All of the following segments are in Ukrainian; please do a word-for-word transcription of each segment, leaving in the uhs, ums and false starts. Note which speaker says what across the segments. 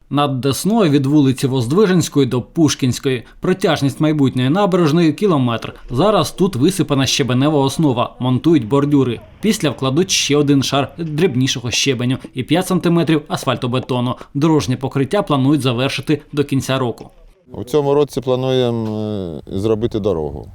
Speaker 1: Над Десною від вулиці Воздвиженської до Пушкінської. Протяжність майбутньої набережної – кілометр. Зараз тут висипана щебенева основа, монтують бордюри. Після вкладуть ще один шар дрібнішого щебеню і п'ять сантиметрів асфальтобетону. Дорожнє покриття планують завершити до кінця року.
Speaker 2: У цьому році плануємо зробити дорогу.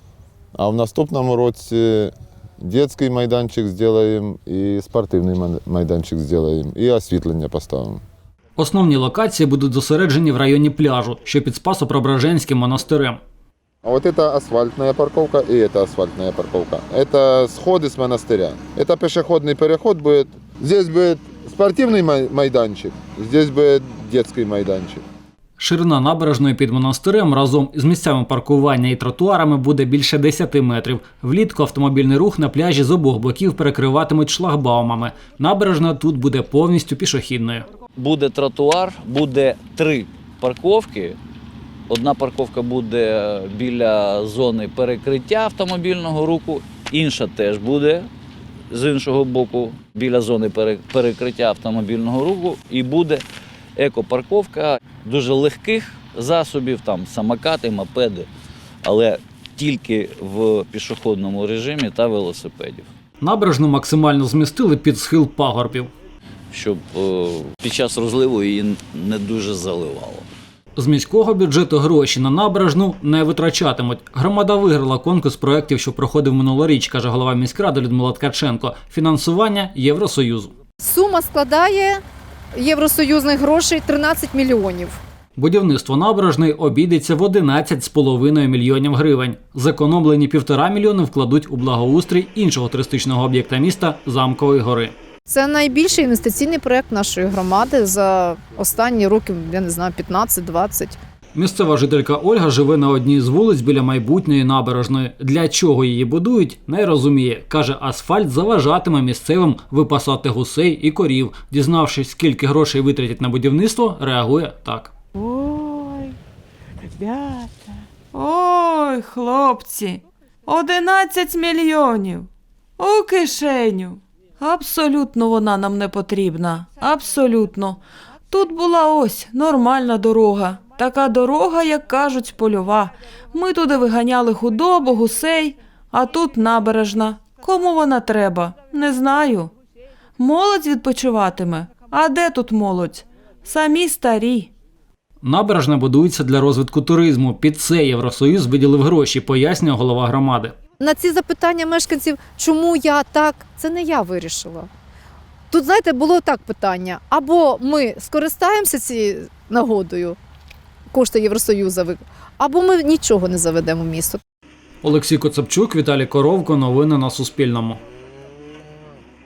Speaker 2: А в наступному році дитячий майданчик зробимо, і спортивний майданчик зробимо, і освітлення поставимо.
Speaker 1: Основні локації будуть зосереджені в районі пляжу, що під Спасо-Преображенським монастирем.
Speaker 2: А вот это асфальтная парковка и это асфальтная парковка. Это сходы с монастыря. Это пешеходный переход будет. Здесь будет спортивный майданчик, здесь будет детский майданчик.
Speaker 1: Ширина набережної під монастирем разом із місцями паркування і тротуарами буде більше десяти метрів. Влітку автомобільний рух на пляжі з обох боків перекриватимуть шлагбаумами. Набережна тут буде повністю пішохідною.
Speaker 3: Буде тротуар, буде три парковки. Одна парковка буде біля зони перекриття автомобільного руху, інша теж буде з іншого боку біля зони перекриття автомобільного руху. І буде екопарковка дуже легких засобів, там самокати, мопеди, але тільки в пішохідному режимі та велосипедів.
Speaker 1: Набережну максимально змістили під схил пагорбів,
Speaker 3: щоб о, під час розливу її не дуже заливало.
Speaker 1: З міського бюджету гроші на набережну не витрачатимуть. Громада виграла конкурс проєктів, що проходив минулоріч, каже голова міськради Людмила Ткаченко. Фінансування Євросоюзу.
Speaker 4: Сума складає євросоюзних грошей тринадцять мільйонів.
Speaker 1: Будівництво набережної обійдеться в одинадцять з половиною мільйонів гривень. Зекономлені півтора мільйони вкладуть у благоустрій іншого туристичного об'єкта міста – Замкової гори.
Speaker 4: Це найбільший інвестиційний проєкт нашої громади за останні роки, я не знаю, п'ятнадцять-двадцять.
Speaker 1: Місцева жителька Ольга живе на одній з вулиць біля майбутньої набережної. Для чого її будують, не розуміє. Каже, асфальт заважатиме місцевим випасати гусей і корів. Дізнавшись, скільки грошей витратять на будівництво, реагує так.
Speaker 5: Ой, ребята, ой, хлопці, одинадцять мільйонів у кишеню. Абсолютно вона нам не потрібна, абсолютно. Тут була ось нормальна дорога, така дорога, як кажуть, польова. Ми туди виганяли худобу, гусей, а тут набережна. Кому вона треба? Не знаю. Молодь відпочиватиме. А де тут молодь? Самі старі.
Speaker 1: Набережна будується для розвитку туризму. Під це Євросоюз виділив гроші, пояснює голова громади.
Speaker 4: На ці запитання мешканців, чому я так, це не я вирішила. Тут, знаєте, було так питання. Або ми скористаємося цією нагодою, кошти Євросоюзу, або ми нічого не заведемо в місто.
Speaker 1: Олексій Коцепчук, Віталій Коровко. Новини на Суспільному.